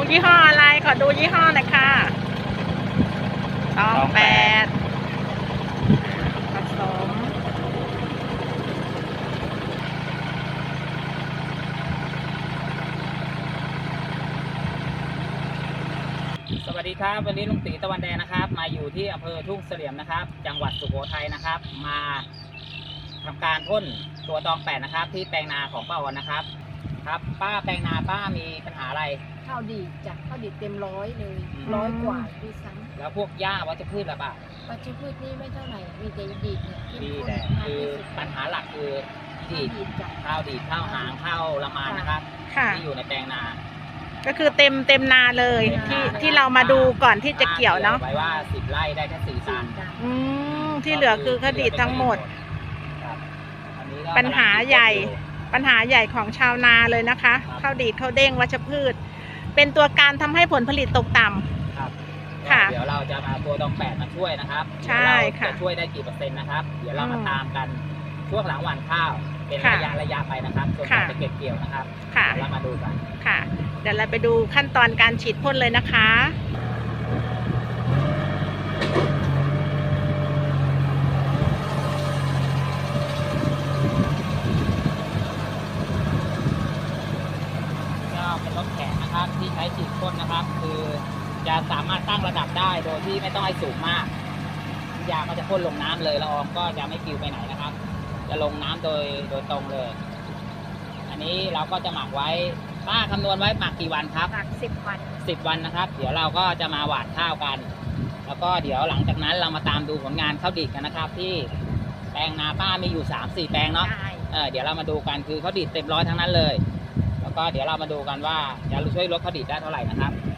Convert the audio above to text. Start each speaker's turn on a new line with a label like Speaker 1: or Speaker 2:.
Speaker 1: ยี่ห้ออะไรขอดูยี่ห้อหน่อยค่ะตองแปดผสม
Speaker 2: สวัสดีครับวันนี้ลุงตีตะวันแดงนะครับมาอยู่ที่อำเภอทุ่งเสลี่ยมนะครับจังหวัดสุโขทัยนะครับมาทำการพ่นตัวตองแปดนะครับที่แปลงนาของป้าออนนะครับครับป้าแปลงนาป้ามีปัญหาอะไร
Speaker 3: ข้าวดีดจ้ะข้าวดีดเต็ม100เลย
Speaker 2: อืม
Speaker 3: 100 กว่าด้วยซ้
Speaker 2: แล้วพวกหญ้าวัชพืชละป่ะ
Speaker 3: ำวัชพืชนี่ไม่เท่าไหร่มีแต่ดีดเนี่ยที่
Speaker 2: ดี
Speaker 3: พ่น
Speaker 2: แต่
Speaker 3: มาก
Speaker 2: คือ
Speaker 3: ที่สุด
Speaker 2: ปัญหาหลักคือ
Speaker 3: ข้า
Speaker 2: ดี
Speaker 3: ว
Speaker 2: ด
Speaker 3: ดีดจ้ะ
Speaker 2: ข้าวดีดข้าวหางข้าวละมานนะครับ
Speaker 1: ค่ะ
Speaker 2: ที่อยู่ในแปลงนา
Speaker 1: ก็คือเต็มนาเลยที่เรามาดูก่อนที่จะเกี่ยวเนาะ
Speaker 2: ไว้ว่า10 ไร่ได้แค่4 ตัน
Speaker 3: จ้ะ
Speaker 1: ที่เหลือคือคดีทั้งหมด
Speaker 2: ครับอันนี้ก็
Speaker 1: ปัญหาใหญ่
Speaker 2: กำลังคิดอยู่
Speaker 1: ปัญหาใหญ่ของชาวนาเลยนะคะ
Speaker 2: ครับ
Speaker 1: ข้าวดีดข้าวเด้งวัชพืช เป็นตัวการทำให้ผลผลิตตกต่ำ
Speaker 2: ครับ
Speaker 1: ค่ะ
Speaker 2: เดี๋ยวเราจะมาตัวตองแปดมาช่วยนะครับ
Speaker 1: ใช่ค่ะ
Speaker 2: เดี๋ยวเราจะช่วยได้กี่เปอร์เซ็นต์นะครับ เดี๋ยวเรามา
Speaker 1: อืม
Speaker 2: ตามกันช่วงหลังหว่านข้าว เป็น
Speaker 1: ค่ะ
Speaker 2: ระยะไปนะครับจนกว่า
Speaker 1: ค่ะ
Speaker 2: จะเก็บเกี่ยวนะครับ
Speaker 1: ค่ะ
Speaker 2: เดี๋ยวเรามาดูกัน
Speaker 1: ค่ะ เดี๋ยวเราไปดูขั้นตอนการฉีดพ่นเลยนะคะ
Speaker 2: ก็เป็นรถแข็งนะครับที่ใช้ฉีดพ่นนะครับ คือจะสามารถตั้งระดับได้โดยที่ไม่ต้องให้สูงมากยาก็จะพ่นลงน้ำเลยละอองก็จะไม่ปลิวไปไหนนะครับ จะลงน้ำโดยตรงเลย อันนี้เราก็จะหมักไว้ป้าคำนวณไว้หมักกี่วันครับ
Speaker 3: หลัก10 วัน
Speaker 2: 10 วันนะครับ เดี๋ยวเราก็จะมาหว่านข้าวกัน แล้วก็เดี๋ยวหลังจากนั้นเรามาตามดูผลงานข้าวดีดกันนะครับ ที่แปลงนาป้ามีอยู่ 3-4 แปลงเนาะ
Speaker 3: ได้
Speaker 2: เดี๋ยวเรามาดูกันคือข้าวดีดเต็มร้อยทั้งนั้นเลย แล้วก็เดี๋ยวเรามาดูกันว่าจะช่วยลดข้าวดีดได้เท่าไหร่นะครับ